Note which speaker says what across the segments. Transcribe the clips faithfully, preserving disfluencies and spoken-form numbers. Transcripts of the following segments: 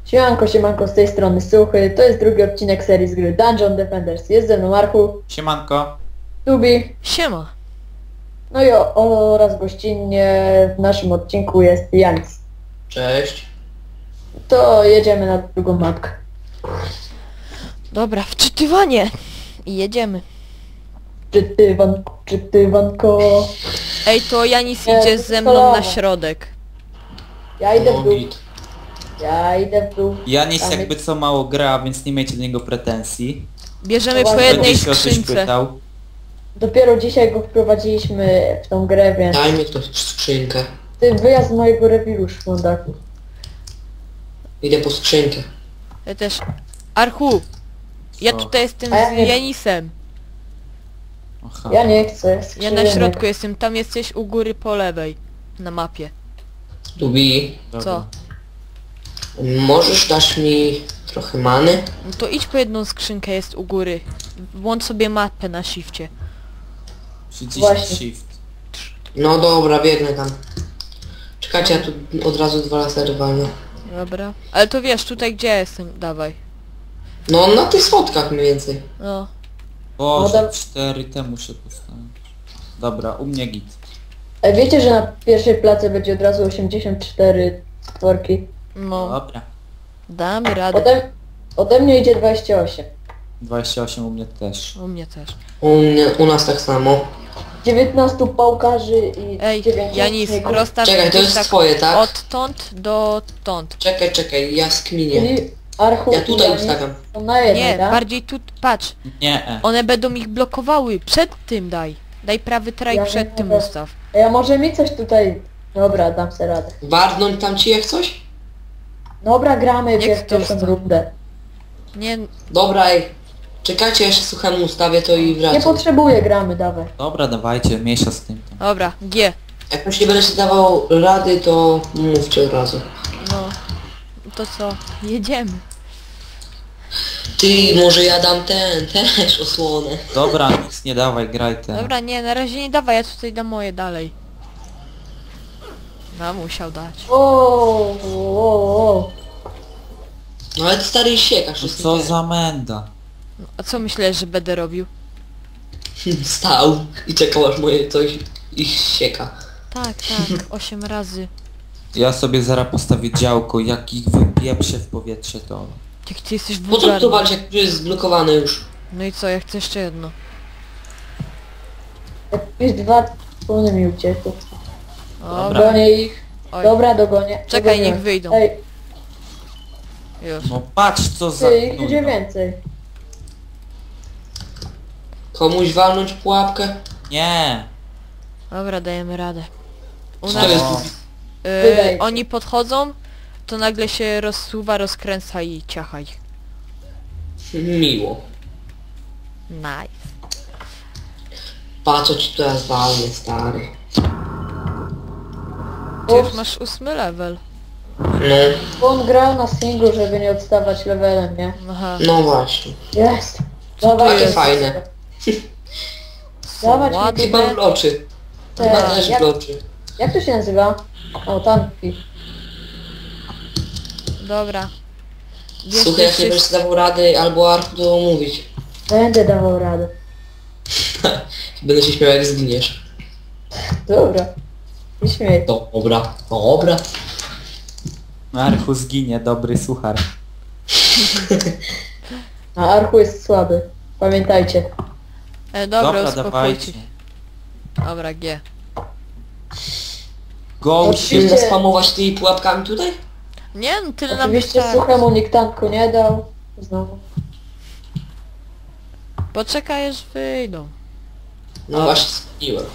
Speaker 1: Siemanko, siemanko, z tej strony Suchy. To jest drugi odcinek serii z gry Dungeon Defenders. Jest ze mną Archu,
Speaker 2: Siemanko.
Speaker 1: Tubi,
Speaker 3: Siema.
Speaker 1: no i o, oraz gościnnie w naszym odcinku jest Janis.
Speaker 4: Cześć.
Speaker 1: To jedziemy na drugą mapkę.
Speaker 3: Dobra, wczytywanie. I jedziemy.
Speaker 1: Czytywanko, czytywanko.
Speaker 3: Ej, to Janis
Speaker 1: Nie,
Speaker 3: idzie ze mną na
Speaker 1: kolano.
Speaker 3: środek.
Speaker 1: Ja idę w
Speaker 4: No,
Speaker 1: dół,
Speaker 4: git.
Speaker 1: ja idę w dół.
Speaker 2: Janis
Speaker 1: Tam
Speaker 2: jakby co mało gra, więc nie miejcie do niego pretensji.
Speaker 3: Bierzemy
Speaker 1: To
Speaker 3: po
Speaker 1: właśnie-
Speaker 3: jednej
Speaker 2: Będzie się o coś
Speaker 3: skrzynce.
Speaker 2: pytał.
Speaker 1: Dopiero dzisiaj go wprowadziliśmy w tą grę, więc...
Speaker 4: Daj mi ktoś skrzynkę.
Speaker 1: Ty wyjazd z mojego rewiru, szmondaku.
Speaker 4: Idę po skrzynkę.
Speaker 3: Ja też. Archu. Ja
Speaker 2: Co?
Speaker 3: tutaj jestem
Speaker 1: A ja
Speaker 3: z
Speaker 1: nie-
Speaker 3: Janisem.
Speaker 2: Aha.
Speaker 1: Ja nie chcę,
Speaker 3: Ja na
Speaker 1: skrzynek.
Speaker 3: środku jestem, tam jesteś u góry po lewej. Na mapie.
Speaker 4: Tubi,
Speaker 2: Dobra.
Speaker 3: Co?
Speaker 4: możesz dać mi trochę many?
Speaker 3: No to idź po jedną skrzynkę, jest u góry. Włącz sobie mapę na shifcie.
Speaker 2: Przyciśnij
Speaker 1: Właśnie.
Speaker 2: shift.
Speaker 4: No dobra, biegnę tam. Czekajcie, ja tu od razu dwa lasery walnę.
Speaker 3: Dobra. Ale to wiesz, tutaj gdzie ja jestem, dawaj.
Speaker 4: No na tych schodkach mniej więcej.
Speaker 3: No.
Speaker 2: Boże,
Speaker 1: Model-
Speaker 2: cztery te muszę postawić. Dobra, u mnie git.
Speaker 1: E, Wiecie, że na pierwszej place będzie od razu osiemdziesiąt cztery stworki.
Speaker 3: No.
Speaker 2: Dobra.
Speaker 3: Damy radę.
Speaker 1: Ode, ode mnie idzie dwadzieścia osiem.
Speaker 2: dwadzieścia osiem u mnie też.
Speaker 3: U mnie też.
Speaker 4: U, mnie, u nas tak samo.
Speaker 1: dziewiętnastu pałkarzy i
Speaker 3: Ej,
Speaker 1: dziewięćdziesiąt
Speaker 3: Janis,
Speaker 1: śniegów.
Speaker 3: rozstaw
Speaker 4: Czekaj, to
Speaker 3: gdzieś
Speaker 4: jest
Speaker 3: tak
Speaker 4: twoje, tak?
Speaker 3: odtąd do tąd.
Speaker 4: Czekaj, czekaj, ja skminię.
Speaker 1: Czyli Archu
Speaker 4: Ja
Speaker 1: i
Speaker 4: tutaj
Speaker 1: Janis
Speaker 4: ustawiam.
Speaker 1: są na jednej,
Speaker 3: Nie,
Speaker 1: tak?
Speaker 3: bardziej tu, patrz.
Speaker 2: Nie. e.
Speaker 3: One będą ich blokowały. Przed tym daj. Daj prawy traj
Speaker 1: Ja
Speaker 3: przed
Speaker 1: nie
Speaker 3: tym
Speaker 1: mogę.
Speaker 3: ustaw.
Speaker 1: A ja może mi coś tutaj... Dobra, dam sobie radę.
Speaker 4: Warnąć tam ci jak coś?
Speaker 1: Dobra, gramy
Speaker 3: Niech
Speaker 1: pier-
Speaker 3: to
Speaker 1: pierwszą
Speaker 3: ustaw.
Speaker 1: rundę.
Speaker 3: Nie,
Speaker 4: Dobra, ej. Czekajcie, jeszcze suchemu ustawię to i
Speaker 1: Nie
Speaker 4: wracam.
Speaker 1: potrzebuję, gramy, dawaj.
Speaker 2: Dobra, dawajcie, mniejsza z tym. tam.
Speaker 3: dobra, G.
Speaker 4: Jak już nie będę się dawał rady, to mówcie od razu.
Speaker 3: No. To co? Jedziemy.
Speaker 4: Ty, może ja dam ten, też osłonę.
Speaker 2: Dobra, nic nie dawaj, graj ten.
Speaker 3: Dobra, nie, na razie nie dawaj, ja tutaj dam moje dalej. No, musiał dać.
Speaker 1: O, o, o.
Speaker 4: No ale ty stary siekasz,
Speaker 2: No
Speaker 4: jest
Speaker 2: co
Speaker 4: nie
Speaker 2: za menda.
Speaker 3: No, a co myślałeś, że będę robił?
Speaker 4: fair. Stał i czekał aż moje coś ich sieka.
Speaker 3: Tak, tak, osiem razy.
Speaker 2: Ja sobie zaraz postawię działko, jak ich wypieprzę w powietrze to...
Speaker 3: Jak ty jesteś
Speaker 4: Po co tu
Speaker 3: wulgarny.
Speaker 4: walczyć, jak tu jest zblokowany już?
Speaker 3: No i co, ja chcę jeszcze jedno.
Speaker 1: Jakieś dwa wspólne mi uciekły.
Speaker 3: Dobra.
Speaker 1: Dogonię ich.
Speaker 3: Oj.
Speaker 1: Dobra, dogonię.
Speaker 3: Czekaj,
Speaker 1: dogonię.
Speaker 3: niech wyjdą.
Speaker 1: Ej,
Speaker 3: Już.
Speaker 2: No patrz co za...
Speaker 1: ty, ich
Speaker 2: no,
Speaker 1: idzie
Speaker 2: no.
Speaker 1: więcej.
Speaker 4: Komuś walnąć pułapkę?
Speaker 2: Nie.
Speaker 3: Dobra, dajemy radę. U
Speaker 4: Co
Speaker 3: nas
Speaker 4: to jest?
Speaker 2: O,
Speaker 1: Wydaje
Speaker 3: y,
Speaker 1: się.
Speaker 3: oni podchodzą, to nagle się rozsuwa, rozkręca i ciacha ich.
Speaker 4: Miło.
Speaker 3: Nice.
Speaker 4: Pa co ci teraz walnie, stary.
Speaker 3: Ty już
Speaker 1: Ups,
Speaker 3: masz ósmy level.
Speaker 4: No,
Speaker 1: bo on grał na singlu, żeby nie odstawać levelem, nie?
Speaker 3: Aha.
Speaker 4: no właśnie.
Speaker 1: Jest.
Speaker 3: Co to
Speaker 1: Dawaj,
Speaker 4: jest? Fajne.
Speaker 1: Dawać mi
Speaker 3: Ładne.
Speaker 4: Chyba bloczy.
Speaker 1: Te,
Speaker 4: Chyba też
Speaker 1: jak,
Speaker 4: bloczy.
Speaker 1: jak to się nazywa? O, tanki.
Speaker 3: Dobra.
Speaker 4: Słuchaj, jak nie będziesz
Speaker 3: wszyscy-
Speaker 4: dawał rady albo arku, to mówić.
Speaker 1: Będę dawał radę.
Speaker 4: Będę się śmiał jak zginiesz.
Speaker 1: Dobra. Nie śmiej.
Speaker 4: Dobra, dobra.
Speaker 2: Archu zginie, dobry suchar.
Speaker 1: A Archu jest słaby. Pamiętajcie.
Speaker 3: E, dobra,
Speaker 2: Dobra,
Speaker 3: uspokójcie
Speaker 2: dawajcie.
Speaker 3: się. Dobra, G.
Speaker 2: Go
Speaker 1: Oczywiście.
Speaker 2: się...
Speaker 4: Chcesz spamować tymi pułapkami tutaj?
Speaker 3: Nie, no tyle nam
Speaker 1: Oczywiście
Speaker 3: wystarczy.
Speaker 1: suchemu nikt tanku nie dał. Znowu.
Speaker 3: Poczekaj, aż wyjdą.
Speaker 4: No właśnie, zgniłem.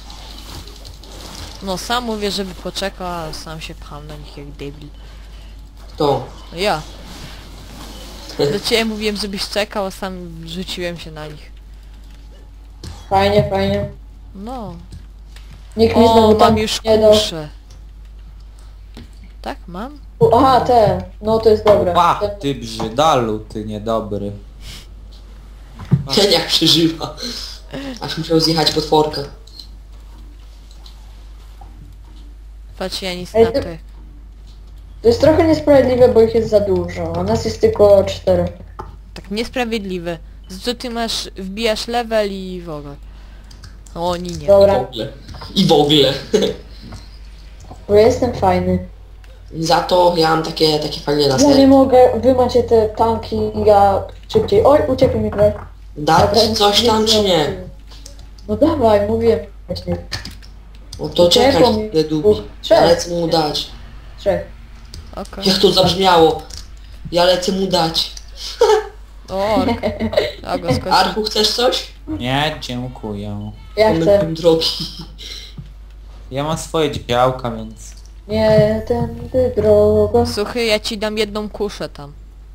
Speaker 3: No sam mówię, żeby poczekał, a sam się pcham na nich jak debil.
Speaker 4: To.
Speaker 3: No ja. Do ciebie mówiłem, żebyś czekał, a sam rzuciłem się na nich.
Speaker 1: Fajnie, fajnie.
Speaker 3: No.
Speaker 1: Nikt mi
Speaker 3: O,
Speaker 1: znowu
Speaker 3: mam
Speaker 1: tam
Speaker 3: już
Speaker 1: nie dał.
Speaker 3: kuszę. Tak, mam?
Speaker 1: U, Aha, te. No to jest dobre.
Speaker 2: Pa,
Speaker 1: Te-
Speaker 2: ty brzydalu, ty niedobry.
Speaker 4: Ten jak przeżywa. Aż musiał zjechać potworka.
Speaker 3: Patrz, ja nic
Speaker 1: Ej,
Speaker 3: na
Speaker 1: ty-
Speaker 3: to.
Speaker 1: To jest trochę niesprawiedliwe, bo ich jest za dużo, a nas jest tylko cztery.
Speaker 3: Tak niesprawiedliwe. Za co ty masz, wbijasz level i w ogóle. O, oni nie.
Speaker 4: W
Speaker 1: Dobra,
Speaker 4: ogóle. I w ogóle.
Speaker 1: bo ja jestem fajny.
Speaker 4: Za to ja mam takie, takie fajne
Speaker 1: Ja nie
Speaker 4: lasery.
Speaker 1: mogę, wy macie te tanki, ja szybciej. Oj, uciekł mi kraj.
Speaker 4: Dać coś tam czy nie?
Speaker 1: No dawaj, mówię właśnie.
Speaker 4: No to
Speaker 1: Czekaj,
Speaker 4: czekaj,
Speaker 1: mi-
Speaker 4: ile dubi.
Speaker 1: Trzech.
Speaker 4: Ja lecę mu dać.
Speaker 1: Trzech.
Speaker 3: Okej.
Speaker 4: Jak to zabrzmiało? Ja lecę mu dać.
Speaker 3: O, ork. A go skończył.
Speaker 4: Arku, chcesz coś?
Speaker 2: Nie, dziękuję.
Speaker 1: Ja
Speaker 4: Mamy
Speaker 1: chcę.
Speaker 4: tym drogi.
Speaker 2: Ja mam swoje działka, więc...
Speaker 1: Nie tędy droga.
Speaker 3: Słuchaj, ja ci dam jedną kuszę tam.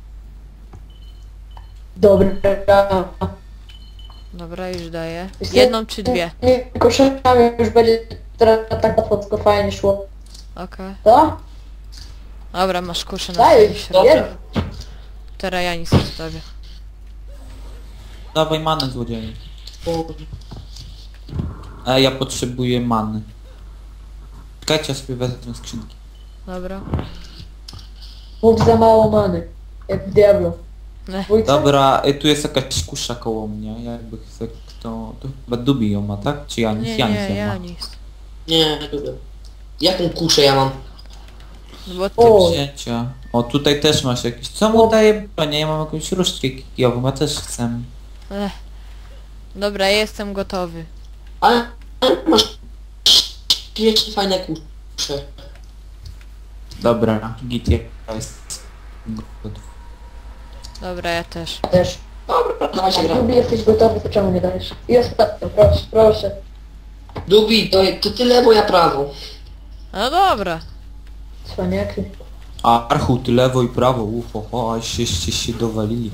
Speaker 1: Dobra.
Speaker 3: Dobra, już daję.
Speaker 1: Wiesz co?
Speaker 3: Jedną czy dwie?
Speaker 1: Nie, koszami już będzie teraz tak łatwo, tylko fajnie szło.
Speaker 3: Okej.
Speaker 1: Co?
Speaker 3: Dobra, masz kuszę na
Speaker 1: Daj,
Speaker 3: swoim środku.
Speaker 1: jest.
Speaker 3: Teraz ja nic nie zostawię.
Speaker 2: Dawaj manę, złodzieju.
Speaker 4: O,
Speaker 2: E, ja potrzebuję many. Czekajcie, ja sobie wezmę skrzynki.
Speaker 3: Dobra.
Speaker 1: Mów za mało many. Jak w Diablo.
Speaker 3: Ne.
Speaker 1: Dwójce?
Speaker 2: Dobra, y, tu jest jakaś kusza koło mnie, jakby chce kto... To chyba Dubi ją ma, tak? Czy Janis?
Speaker 3: Nie,
Speaker 2: Janis
Speaker 3: nie,
Speaker 2: ją
Speaker 3: ja
Speaker 2: ma.
Speaker 3: nic.
Speaker 4: nie, lubię. Jaką kuszę ja mam?
Speaker 3: No bo ty...
Speaker 1: O,
Speaker 2: Wzięcia. O, tutaj też masz jakieś... Co mu
Speaker 1: O.
Speaker 2: daje broń? Ja mam jakąś różdżkę kijową, ja też chcę.
Speaker 3: Ech. Dobra, jestem gotowy.
Speaker 4: Ale ale masz śmiesznie fajne kusze.
Speaker 2: Dobra, git jest gotów.
Speaker 3: Dobra, ja też.
Speaker 1: też.
Speaker 4: Dobra, dawaj się
Speaker 1: Jak
Speaker 4: gra.
Speaker 1: lubi jesteś gotowy, to czemu nie dajesz? I ostatnio, proszę, proszę.
Speaker 4: Dubi, to, to tyle, bo ja prawo.
Speaker 3: No dobra.
Speaker 1: Cwaniaki.
Speaker 2: A Archu, ty lewo i prawo, ufo, o, a żeście się dowalili.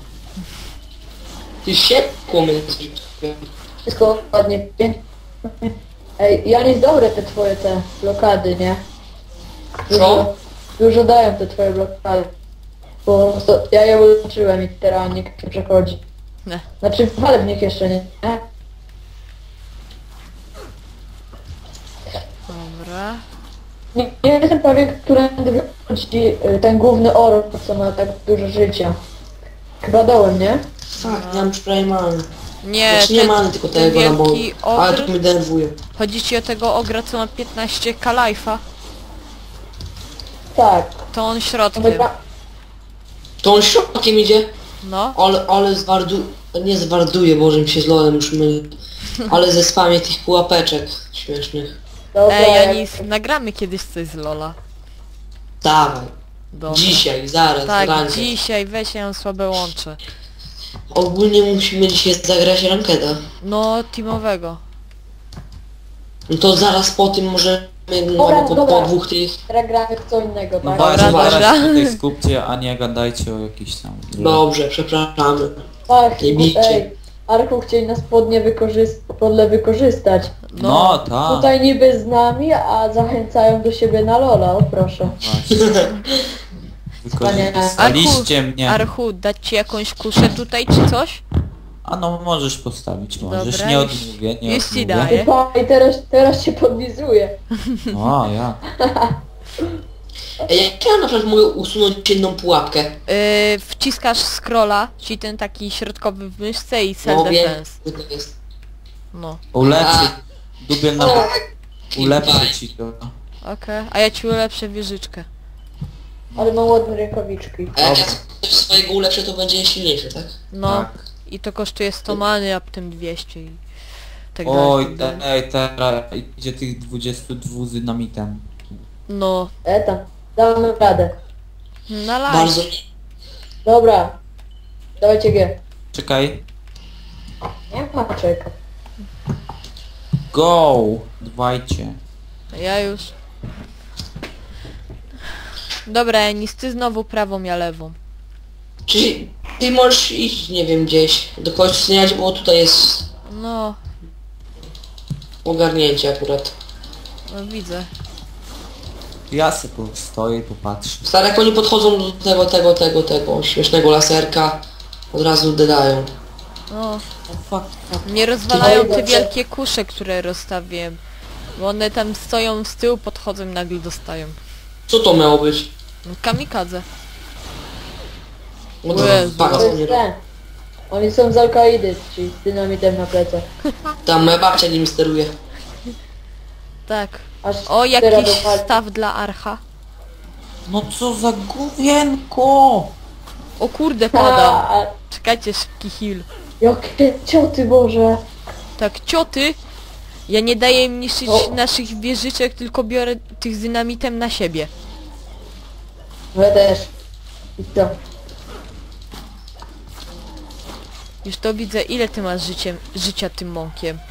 Speaker 4: Ty się kłomy.
Speaker 1: Wszystko ładnie, pięknie. Ej, Janis, dobre te twoje te blokady, nie? Dużo,
Speaker 4: Co?
Speaker 1: dużo dają te twoje blokady. Bo to, ja je uczyłem i teraz nikt nie przechodzi.
Speaker 3: Ne.
Speaker 1: Znaczy, ale w nich jeszcze nie. nie?
Speaker 3: Dobra.
Speaker 1: Nie, nie jestem pewien, którędy wychodzi y, ten główny ork, co ma tak dużo życia. Chyba dołem, nie?
Speaker 4: Tak, ja mam już prawie mamy.
Speaker 3: Nie,
Speaker 4: Znaczy nie
Speaker 3: ten,
Speaker 4: mamy tylko
Speaker 3: ten
Speaker 4: tego, no bo...
Speaker 3: wielki
Speaker 4: Ale to
Speaker 3: ogr...
Speaker 4: mnie denerwuje.
Speaker 3: Chodzi ci o tego ogra, co ma piętnaście k life'a?
Speaker 1: Tak.
Speaker 3: To on
Speaker 1: To
Speaker 3: środkiem.
Speaker 1: wygra...
Speaker 4: To on środkiem idzie,
Speaker 3: No.
Speaker 4: ale, ale zwardu... Nie zwarduje, Boże mi się z lolem już myli. Ale ze spamie tych pułapeczek śmiesznych.
Speaker 1: Dobra,
Speaker 3: Ej,
Speaker 1: jak-
Speaker 3: Janis, nagramy kiedyś coś z Lola.
Speaker 4: Dawaj.
Speaker 3: Dobra.
Speaker 4: Dzisiaj, zaraz,
Speaker 3: Tak,
Speaker 4: rankę.
Speaker 3: dzisiaj, weź ja mam słabe łącze.
Speaker 4: Ogólnie musimy dzisiaj zagrać rankeda.
Speaker 3: No, teamowego.
Speaker 4: No to zaraz po tym możemy
Speaker 1: Dobra,
Speaker 4: no, po,
Speaker 1: dobra.
Speaker 4: po dwóch tych...
Speaker 1: Teraz gramy w co innego,
Speaker 2: No
Speaker 1: tak?
Speaker 2: właśnie,
Speaker 3: dobra.
Speaker 2: teraz się tutaj skupcie, a nie gadajcie o jakichś tam...
Speaker 4: Dobrze, przepraszamy.
Speaker 1: Ach,
Speaker 4: Nie bijcie.
Speaker 1: ej, Arku chcieli nas podnie wykorzystać, podle wykorzystać.
Speaker 2: No, tak.
Speaker 1: Tutaj niby z nami, a zachęcają do siebie na Lola, o proszę.
Speaker 2: Właśnie. Wykorzystaliście mnie.
Speaker 3: Archu, dać ci jakąś kuszę tutaj, czy coś?
Speaker 2: A no, możesz postawić, możesz.
Speaker 3: Dobra,
Speaker 2: nie
Speaker 3: już-
Speaker 2: odmówię, nie
Speaker 3: już ci
Speaker 2: odmówię.
Speaker 3: daję.
Speaker 1: I, pa, i teraz, teraz się podlizuje.
Speaker 2: O, ja.
Speaker 4: Ej, jak ja na przykład mogę usunąć jedną pułapkę?
Speaker 3: Yy, wciskasz scrolla, czyli ten taki środkowy w myszce i
Speaker 4: No wiem,
Speaker 3: self-defense.
Speaker 4: co to jest.
Speaker 3: No,
Speaker 2: Ulepszy. Dubiel na...
Speaker 4: Tak.
Speaker 2: Ulepszy ci to.
Speaker 3: okej. A ja ci ulepszę wieżyczkę.
Speaker 1: Ale mam ładne rękawiczki.
Speaker 4: A jak ja
Speaker 2: Dobra.
Speaker 4: coś swojego ulepszę, to będzie silniejszy, tak?
Speaker 3: No,
Speaker 2: Tak.
Speaker 3: i to kosztuje sto many, a potem dwieście i tak dalej.
Speaker 2: Oj,
Speaker 3: tak dalej.
Speaker 2: ej, teraz idzie tych dwudziestu dwóch z dynamitem.
Speaker 3: No,
Speaker 1: E tam, damy radę.
Speaker 3: na live.
Speaker 4: Bardzo...
Speaker 1: Dobra. Dawajcie G.
Speaker 2: Czekaj.
Speaker 1: Nie ma czeka.
Speaker 2: Go! Dwajcie.
Speaker 3: Ja już. Dobra, Enis, ty znowu prawą, ja lewą.
Speaker 4: Czyli ty możesz iść, nie wiem, gdzieś do kogoś śniać, bo tutaj jest
Speaker 3: No,
Speaker 4: ogarnięcie akurat.
Speaker 3: no widzę.
Speaker 2: Ja se postoję i popatrzę.
Speaker 4: Stary, jak oni podchodzą do tego, tego, tego, tego śmiesznego laserka, od razu dodają.
Speaker 3: No,
Speaker 2: O fuck, fuck.
Speaker 3: nie rozwalają te
Speaker 1: Dobrze.
Speaker 3: wielkie kusze, które rozstawiłem. Bo one tam stoją z tyłu, podchodzą i nagle dostają.
Speaker 4: Co to miało być?
Speaker 3: No, kamikadze.
Speaker 4: No
Speaker 3: O
Speaker 4: to
Speaker 3: Jezu.
Speaker 4: patrz,
Speaker 1: To
Speaker 4: co
Speaker 1: jest
Speaker 4: nie robi.
Speaker 1: ten. Oni są z Al-Kaidy, czyli z dynamitem na plecach.
Speaker 4: Tam moja babcia nim steruje.
Speaker 3: Tak.
Speaker 1: Aż
Speaker 3: O,
Speaker 1: teraz
Speaker 3: jakiś
Speaker 1: dopali.
Speaker 3: staw dla Archa.
Speaker 2: No co za gówienko!
Speaker 3: O kurde, padam.
Speaker 1: A,
Speaker 3: Czekajcie, szybki heal.
Speaker 1: jakie cioty, Boże.
Speaker 3: Tak, cioty. Ja nie daję im niszczyć
Speaker 1: O.
Speaker 3: naszych wieżyczek, tylko biorę tych z dynamitem na siebie.
Speaker 1: No ja też. I co?
Speaker 3: Już to widzę, ile ty masz życiem, życia tym mąkiem.